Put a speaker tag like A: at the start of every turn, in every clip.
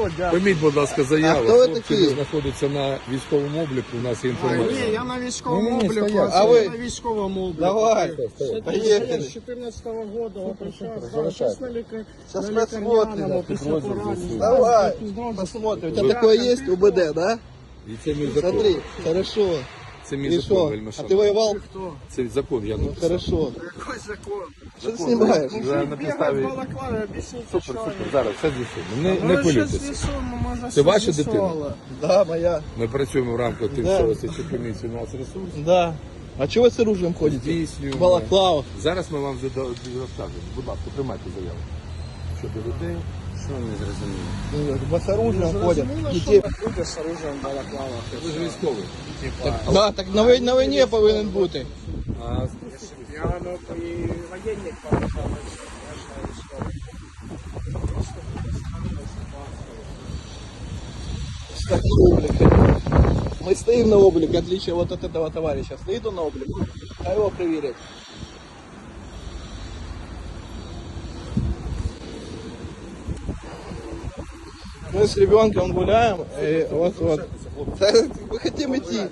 A: Прийміть, будь ласка, заяву.
B: хто ви
A: Хлопці
B: такі?
A: знаходяться на військовому обліку, у нас є інформація.
C: Ні, я на військовому
A: Ні,
C: обліку,
A: стоять.
B: А ви?
C: на військовому обліку.
B: Давай,
C: Я
B: поехали.
C: з 14-го року прийшов,
A: залишайте.
C: зараз на
B: Сейчас
C: лікарняному
B: посмотрим.
C: після поранення.
B: Давай, посмотрим. У тебя такое есть, УБД, да?
A: І це мій закон.
B: Смотри, хорошо.
A: Це мій
B: И
A: закон,
B: что?
A: вельми
B: А
A: шановний.
B: ты воевал?
A: Це закон, я написав.
B: Хорошо.
C: Який закон?
B: Что ты снимаешь?
A: Вже на
C: Бігав
A: підставі...
C: в балаклаві, об'ясніть,
A: Супер,
C: що
A: супер,
C: ви.
A: зараз все з'ясуємо. Не
C: Ну,
A: хвилюйтеся.
C: щось з'ясуємо, може,
A: Це
C: щось
A: ваша дитина?
C: з'ясували.
B: Да, моя.
A: Ми працюємо в рамках тимчасової слідчої комісії у нас ресурс.
B: Да. А чего вы с оружием ходите?
A: Здійснюємо.
B: Балаклава.
A: Зараз ми вам розкажемо. Будь ласка, приймайте заяву. Щодо людей. Що ви не зрозуміли?
B: Вы с оружием ходят.
C: Зрозуміло, що
B: Детей.
C: люди з оружием в балаклавах.
A: Ви ж військовий.
B: Да, так на войне повинен бути.
A: А
C: Я і воєнник побажав, я ж не військовий.
B: Так, на облик. Мы стоим на облик, в отличие вот от этого товарища. Стоит он на облик, а его проверить. Мы с ребенком гуляем, и вот. Да, мы хотим идти.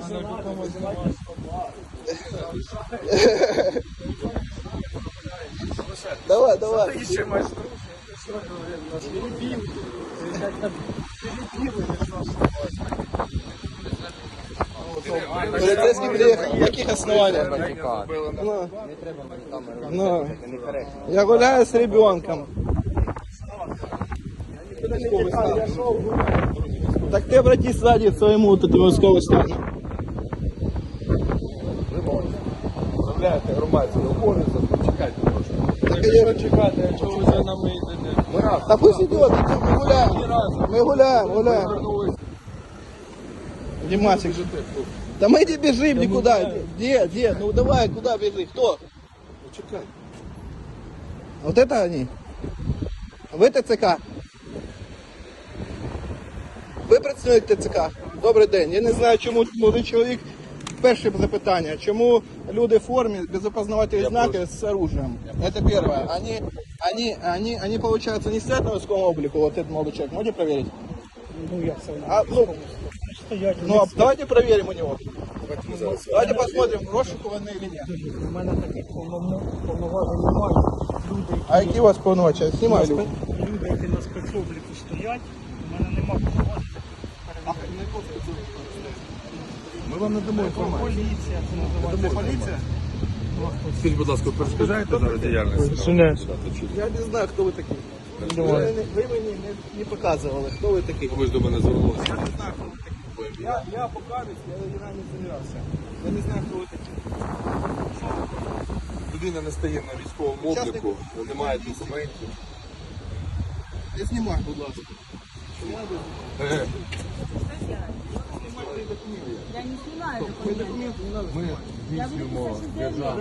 B: Давай, давай. Полицейский приехал. На каких основаниях? Ну, я гуляю с ребенком. Так ты обратись сзади к своему вот этому військовому стану.
A: Виявляєте громадський обов'язок, чекайте трошки.
B: Так я
C: Чекайте, якщо ви за нами йдете.
A: Ми раз.
B: Да пусть идет, мы гуляем. Мы гуляем. Димасик же ты. Да мы не бежим никуда. Где? Ну давай, куда бежи? Кто?
A: Чекай.
B: Вот это они? Ви ТЦК? Ви представник ТЦК? Добрий день. Я не знаю, чому молодий чоловік. Перше запитання. Чому люди в формі без опознавательних знаків з оружием? Это первое. Они, получается, не стоят на військовому облику, вот этот молодой человек. Можете проверить?
C: Ну, я все
B: Давайте проверим у него. Давайте посмотрим, розшукуваний или нет.
C: У мене таких повноважень немає. Люди,
B: А які у вас повноваження? Знімаю.
C: люди, які на спецобліку стоять, у мене немає повноважень.
A: Ми вам надамо інформацію.
C: Поліція, це називається поліція.
A: Скажіть, будь ласка, перешкоджаєте зараз діяльність?
B: Я не знаю, хто ви такі. Ви мені не показували, хто ви такі.
A: Ви ж до мене звернулися.
B: Я не знаю, хто ви такі. Я покажусь, я не замирався. Я не знаю, хто ви такі.
A: Людина не стає на військовому обліку, не має документів.
B: Не знімай, будь ласка.
D: Я не снимаю документы.
A: Ми здійснюємо державну.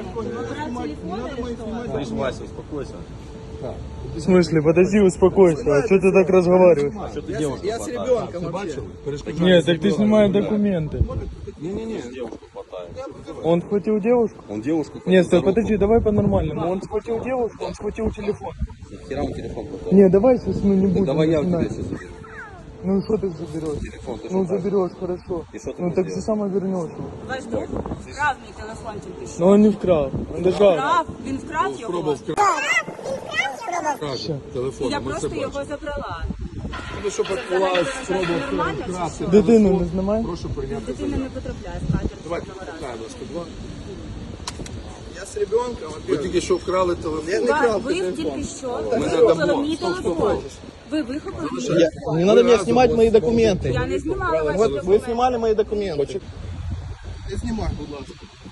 D: Вася, успокойся.
E: В смысле? Подожди, успокойся. А что ты так разговариваешь?
B: Я с ребенком вообще.
E: Нет, так ты снимай документы.
A: Ні-ні-ні.
E: Он схватил девушку?
F: Он девушку.
E: Нет, стой, подожди, давай по-нормальному. Он схватил девушку, он схватил телефон.
F: Хера он телефон пропал.
E: Не, давай сейчас мы не будем.
F: Давай я у тебя
E: начинать.
F: сейчас заберу.
E: Ну что ты заберешь?
F: Телефон ты
E: Ну
F: что,
E: заберешь, хорошо.
F: И что ты
E: Ну
F: мне
E: так же
F: сделаешь?
E: само вернешь.
D: Подожди, вкрав мій телефончик ти що?
E: Но он не вкрал. Он держал.
D: Вкрав? Він вкрав його?
A: Спробував вкрасти телефон.
D: Я
A: Ми це
D: просто його
A: бачимо.
D: забрала.
A: Ну, що підклалась, спробував
D: Нормально чи
A: вкрасти.
D: що?
E: Дитину не знімай.
A: Прошу прийняти
D: Дитина
A: заяву.
D: не потрапляє в кадр.
A: Давайте, покаємо вас, будь ласка.
B: Я с ребенком.
A: Ви тільки що вкрали телефон.
B: Я не крав
D: Ви
B: телефон.
D: тільки що
A: Ми
D: вихопили
A: надамо.
D: мій
A: Стоп, стоп,
D: телефон.
A: стоп.
D: Ви вихопили мій
B: Я- Не надо мне снимать мои документы.
D: Я не знімала ваші
B: Вот вы
D: документи.
B: снимали мои документы. Не снимай, будь ласка.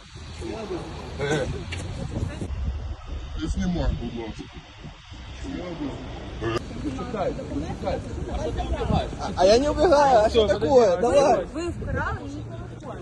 A: Не знімай, будь ласка.
B: А я не убегаю, а что такое? Давай.
D: Ви вкрали мій телефон.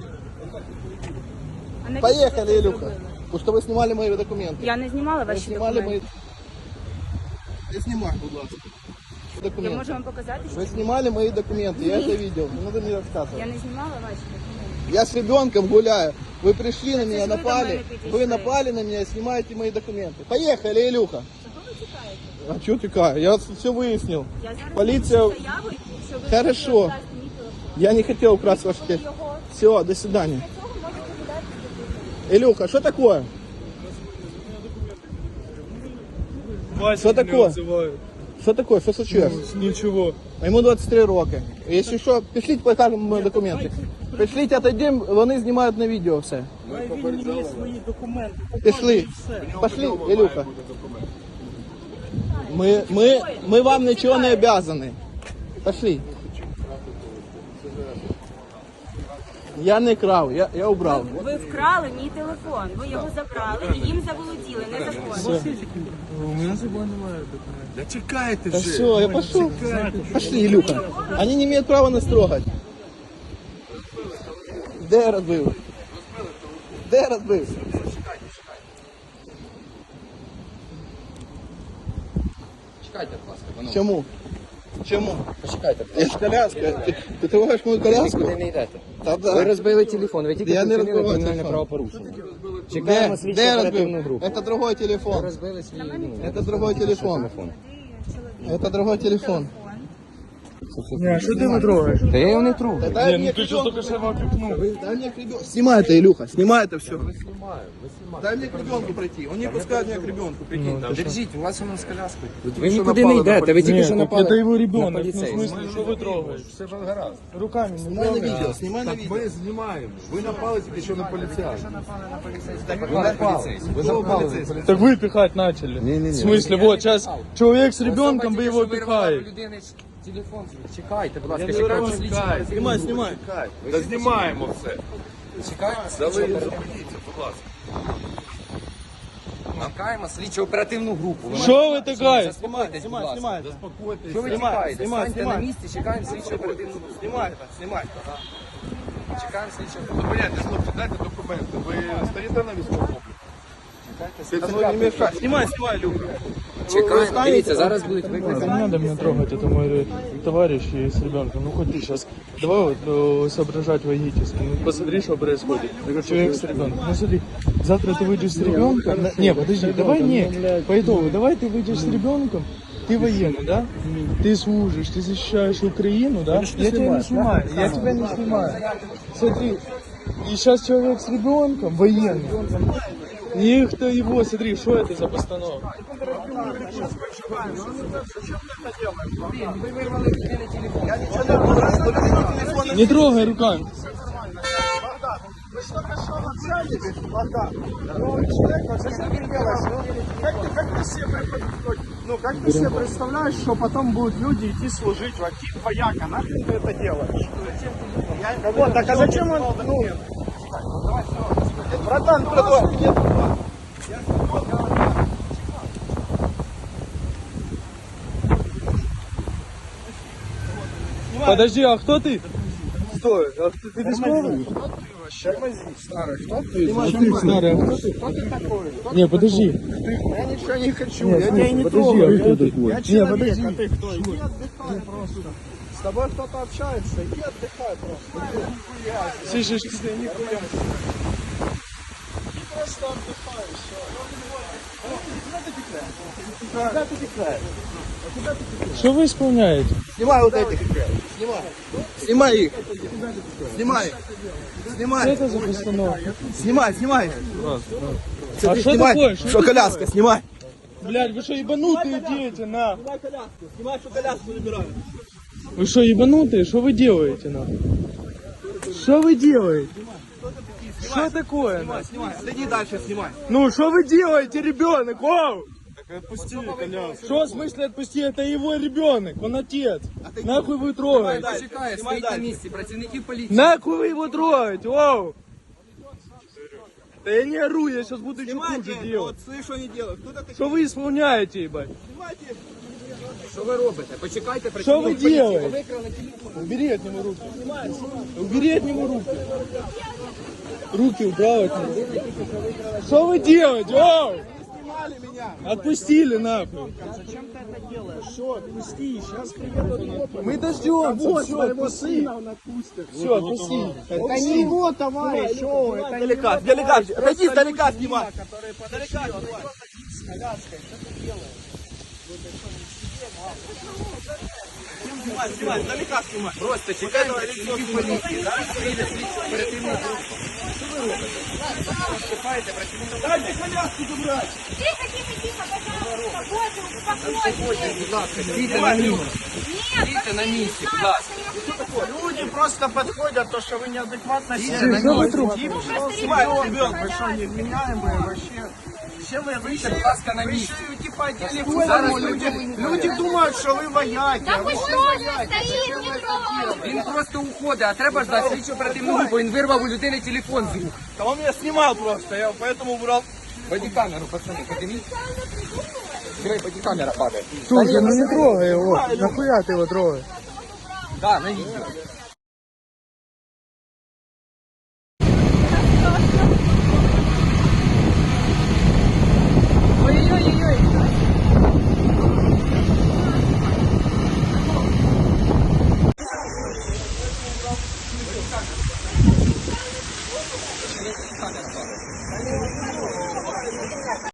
D: А навіщо
B: Поехали,
D: ви це
B: Илюха.
D: зробили?
B: Потому что вы снимали мои документы.
D: Я не знімала
B: Вы
D: ваші
B: снимали мои...
D: документи.
B: Не снимай, будь ласка.
D: Я
B: Документы.
D: можу вам показати, що
B: Вы снимали мои документы, я это видел. Не надо мне
D: я
B: рассказывать.
D: не знімала ваші документи.
B: Я с ребенком гуляю. Вы пришли на меня,
D: вы до
B: напали.
D: меня
B: Вы
D: пришли.
B: напали на меня и снимаете мои документы. Поехали, Илюха.
D: Чого ви тікаєте?
B: А чого тікаю? Я все вияснив.
D: Я зараз
B: Поліція...
D: напишу заяву, що ви
B: Хорошо.
D: хочете вкрасти мій телефон.
B: Я не хотел украсть ваш телефон.
D: Його.
B: Все, до свидания.
D: Для цього можете віддати телефон.
B: Илюха, что такое?
E: Вася
B: Что
E: меня
B: такое?
E: называют.
B: Что такое? Что случилось?
E: Ничего.
B: Ему 23 роки. Если що, пішліть, покажемо мої документи. Пішліть, отойдемо, вони знімають на відео все.
C: Він є свої документи.
B: Пішли. Пошли, Ілюха. Ми вам нічого не обязаны. Пошли. Я не крав, я убрав.
D: Ви вкрали мій телефон, ви його забрали і їм заволоділи, незаконно.
E: У меня с собой немає документов.
A: Да чекайте
B: Да
A: вже.
B: все, я пошел. Пошли, Илюха. Они не имеют права нас трогать. Де я розбив? Де я розбив?
F: Чекайте, будь ласка, панове.
B: Чому? Чому?
F: Почекайте.
B: Я ж коляска. Ти трогаєш мою коляску?
F: Куди не йдете?
B: Та
F: Ви
B: да.
F: розбили телефон, ви тільки
B: Я не
F: вчинили
B: розбивав
F: кримінальне
B: телефон.
F: правопорушення.
B: Де?
F: Чекаємо слідчу
B: Де я
F: оперативну
B: розбив?
F: групу.
B: Это другой
F: Ви
B: телефон.
F: розбили свій,
B: Это другой телефон. Это другой телефон.
E: Не, а что ты его трогаешь?
F: Та я його не трогаю.
B: Дай
E: Не,
B: мне
E: ну ты что только что его окликнул.
B: Дай мне к ребенку. Снимай это, Илюха, снимай это все. Дай мне к ребенку пройти. Он не пускает меня к ребенку, прикинь.
F: Держіть, у вас воно з коляскою. Ви нікуди не йдете, ви тільки
E: Нет,
F: що
E: так
F: напали
E: это его
F: на
E: ребенок. Ну, в
F: поліцейського.
E: смысле, что вы трогаете?
A: Все ж гаразд.
E: Руками не
B: Снимай на
E: трогай.
B: видео, снимай на
A: Так
B: видео.
A: ми знімаємо. Ви напали тільки що на поліцейських.
F: Ви напали.
A: Ви напали на поліцейських.
E: Так вы пихать начали. В смысле, вот сейчас человек с ребенком, вы его пихаете.
F: Телефон, чекайте, будь ласка,
B: говорю,
F: чекаємо слідчу оперативну
B: Снимай,
F: групу.
B: снимай.
A: Та знімаємо все.
F: Чекаємо слідчу оперативну групу. Чекаємо слідчу оперативну групу. Ви
E: Что вы такая?
F: заспокойтесь, будь ласка.
B: Снимай.
F: Що ви
B: Знімай,
F: чекаєте?
B: знімай,
F: Станьте на
B: знімай.
F: місці, чекаємо слідчу оперативну групу.
B: Снимай это, снимай.
F: Чекаємо слідчу оперативну
A: Понятно, хлопці, дайте документи. Ви стоїте на військовому?
B: Ну, не мешай. Снимай, снимай, Илюха.
F: Чекаємо. Дивіться, зараз будуть
E: Не
F: викликані.
E: надо меня трогать, это мой товарищ и с ребенком. Ну хоть ты сейчас, давай вот соображать логически. Ну посмотри, что происходит. Человек с ребенком. Ну смотри, завтра ты выйдешь с ребенком. Не, подожди, давай не. По итогу, давай ты выйдешь с ребенком. Ты военный, да? Ты служишь, ты защищаешь Украину, да? Я тебя не снимаю, я тебя не снимаю. Смотри, и сейчас человек с ребенком, военный. И кто его, смотри, что это за постановка? Не трогай руками.
C: Как ты себе представляешь, что потом будут люди идти служить в актив вояка? Нахрен ты это делаешь? Вот, так а зачем он... Ну, братан, просто нет.
E: Подожди, а кто ты? Стой, а ты військовий?
C: Старый, кто ты?
E: Ты старый, а кто ты?
C: Кто ты такой?
E: Не, подожди.
C: Я ничего не хочу,
E: Нет,
C: я тебя и не
E: подожди,
C: трогаю.
E: а кто такой?
C: Я
E: Не,
C: человек,
E: подожди.
C: а ты кто? Иди отдыхай просто. С тобой кто-то общается, иди отдыхай просто.
E: Слышишь,
C: Ты нихуя. Ты просто отдыхай, все. Куда ты текаешь?
E: что вы исполняете?
B: Снимай вот этих. Снимай. Снимай их. Снимай их.
E: Что
B: Снимай.
E: это за постановка?
B: Снимай, снимай.
E: А что
B: Снимай.
E: такое?
B: Что коляска, снимай.
E: Блядь, вы что, ебанутые дети, на?
B: Снимай коляску. Снимай, что коляску забирают.
E: Вы что, ебанутые? Что вы делаете, на? Что вы делаете? Что такое, на?
B: Снимай. Отойди дальше, снимай.
E: Ну, что вы делаете, ребенок? Вау!
A: Отпусти коляску.
E: Что в смысле отпусти? Это его ребенок, он отец. Нахуй вы трогаете?
F: Почекає, стоїть на місці, працівники поліції.
E: Нахуй вы его трогаете? Вау! Да я не ору, я сейчас буду еще хуже
B: Снимайте.
E: делать.
B: Вот слышь, что они делают. Кто такой?
E: Что вы исполняете, ебать?
B: Снимайте.
F: Що ви робите? Почекайте,
E: Что вы
F: працівник поліції. Ви
E: делаете?
F: викрали телефон.
E: Убери от него руки. Убери от него руки. Руки убрал от него. Что вы делаете? Вау!
B: Снимали меня.
E: Отпустили нахуй.
C: Зачем ты это делаешь? Все, отпусти, сейчас приедут.
E: Мы дождемся.
C: Вот
E: Все,
C: твоего
E: отпусти.
C: сына он отпустит.
E: Все, отпусти.
C: Это не его товарищ, о, это не
B: Далека,
C: его
B: далека.
C: товарищ.
B: Отойди,
C: Просто
B: далека
C: люди
B: снимай.
C: мимо, которые
B: Далека
C: подошли, он
B: снимай.
C: идет с коляской, что ты делаешь?
B: Снимай, издалека снимай.
F: Просто чекаємо працівників поліції. Зараз прийде слідчо оперативна група. Що ви робите? Виступаєте працівникам.
B: Дайте коляску забрать.
D: Тихо, пожалуйста, Боже, успокойтесь.
F: Будь ласка, стійте на місці. Стійте на місці, будь ласка.
C: Люди просто подходят, то, что вы неадекватно себя
F: Что вы
C: ведете. Снимай, ребенок, вы что, невменяемые вообще? Все вы
F: Стійте, будь ласка, на місці.
C: типа о телефоне,
F: Зараз
C: люди думают, что вы вояки, а вы все вояки.
F: Він просто уходить, а треба ждати слідчо оперативну групу. Він вирвав у людини телефон з рук.
B: Да он меня снимал просто, я поэтому убрал.
F: Бодікамеру, пацани, подивіться. Диви, бодікамера падає.
E: Слушай, ну не трогай его. Нахуя ты его трогаешь?
F: Да, на відео.